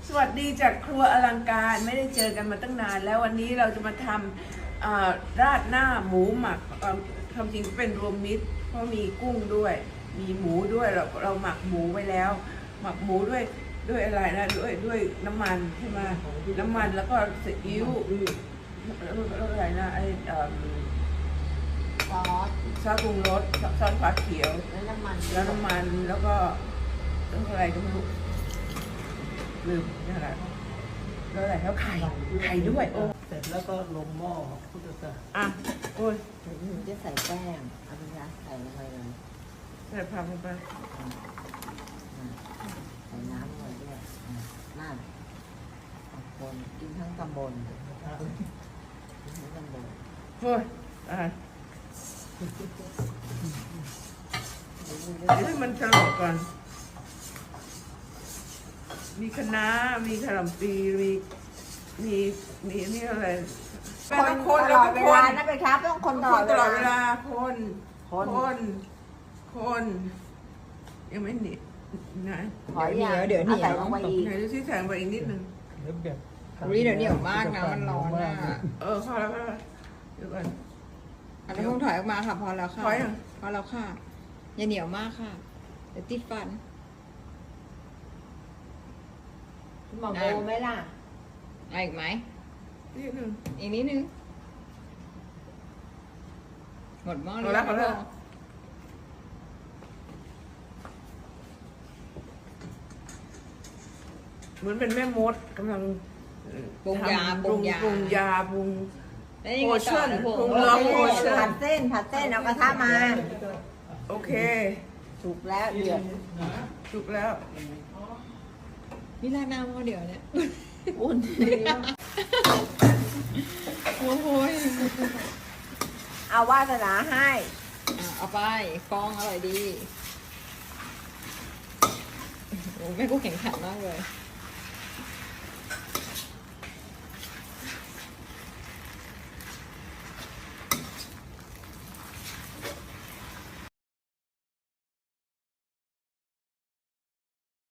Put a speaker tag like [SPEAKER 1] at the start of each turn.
[SPEAKER 1] สวัสดีจากครัวอลังการไม่ได้เจอกันมาตั้งนานแล้ววันนี้เราจะมาทำราดหน้าหมูหมักความจริงเป็นรวมมิตรเพราะมีกุ้งด้วยมีหมูด้วยเราหมักหมูไว้แล้ว หมักหมูด้วยอะไรนะด้วยน้ำมันใช่ไหมน้ำมันแล้วก็ซีอิ๊วแล้วอะไรนะไอ
[SPEAKER 2] ซอส
[SPEAKER 1] ซอสปรุงรสซอสฟ้าเขียว
[SPEAKER 2] แล้วน้ำมัน
[SPEAKER 1] แล้วก็อะไรก็ไม่รู้ลืมนี่อะไรแล้วอะไรแล้วไข่ด้วยโอ้
[SPEAKER 3] เสร็จแล้วก็ลงหม้อพุทธศาสนา
[SPEAKER 1] อ่ะโอ้ย
[SPEAKER 2] เดี๋ยวหนูจะใส่แป้งเอาไปนะใส่ลงไปเลย
[SPEAKER 1] ใส่ผักลงไป
[SPEAKER 2] ใส่น้ำลงไปด้วยนั่นคนกินทั้งตำบลกินทั้งตำบล
[SPEAKER 1] โอ้ยอ่ะเดี๋ยวให้มันสลบก่อนมีคะน้ามีขนมปีมีนี่อะไรต้องคน
[SPEAKER 2] ต
[SPEAKER 1] แล้ว
[SPEAKER 2] ลอ
[SPEAKER 1] ก็
[SPEAKER 2] ดเว
[SPEAKER 1] ค
[SPEAKER 2] ลาน นะไปครับต้องคนต
[SPEAKER 1] ต
[SPEAKER 2] ลอด
[SPEAKER 1] ลอดเว
[SPEAKER 2] เวลา
[SPEAKER 1] ลาคนยังไม่หนีนะ
[SPEAKER 2] ขออย่างเดี๋ยวเหนียวใส่ลงไปอีก
[SPEAKER 1] ไหนดูที่แสงไปอีกนิดนึง
[SPEAKER 3] เดี๋ยวแบบ
[SPEAKER 4] อุ๊ยเดี๋ยวเหนียวมากนะมันร้อนอะ
[SPEAKER 1] พอแล้วเดี๋ยวก่อน
[SPEAKER 4] อันนี้คงถอยออกมาค่ะพอแล้วค่ะ
[SPEAKER 1] ถอยเหรอ
[SPEAKER 4] พอแล้วค่ะอย่าเหนียวมากค่ะเดี๋ยวติดฟัน
[SPEAKER 2] หมอโบไหมล่ะ
[SPEAKER 4] เอาอีกไหม
[SPEAKER 1] นิดนึง
[SPEAKER 4] อีกนิดนึงหมดหม้อ
[SPEAKER 1] พอแล้วพอแล้ว เหมือนเป็นแม่มดกำลัง
[SPEAKER 4] ปรุงยา
[SPEAKER 1] ทำ
[SPEAKER 4] ปรุงยา
[SPEAKER 1] ปรุงยาปรุง
[SPEAKER 4] แล้วยังไงต่อนะ
[SPEAKER 1] โพ
[SPEAKER 4] พว
[SPEAKER 1] ชั่
[SPEAKER 4] ก
[SPEAKER 1] น ลองโพชั่น
[SPEAKER 2] ผัดเส้นเอากระทะมา
[SPEAKER 1] โอเค
[SPEAKER 2] สุกแล้วเดือด
[SPEAKER 1] ถูกแล้ว
[SPEAKER 4] นี่ราดหน้าหม้อเดียวเนี่ย
[SPEAKER 2] อุ่น
[SPEAKER 4] โอ้โหย
[SPEAKER 2] เอาวาสนาให้
[SPEAKER 4] เอาไปฟองอร่อยดีโอ้แม่กูแข็งขันมากเลย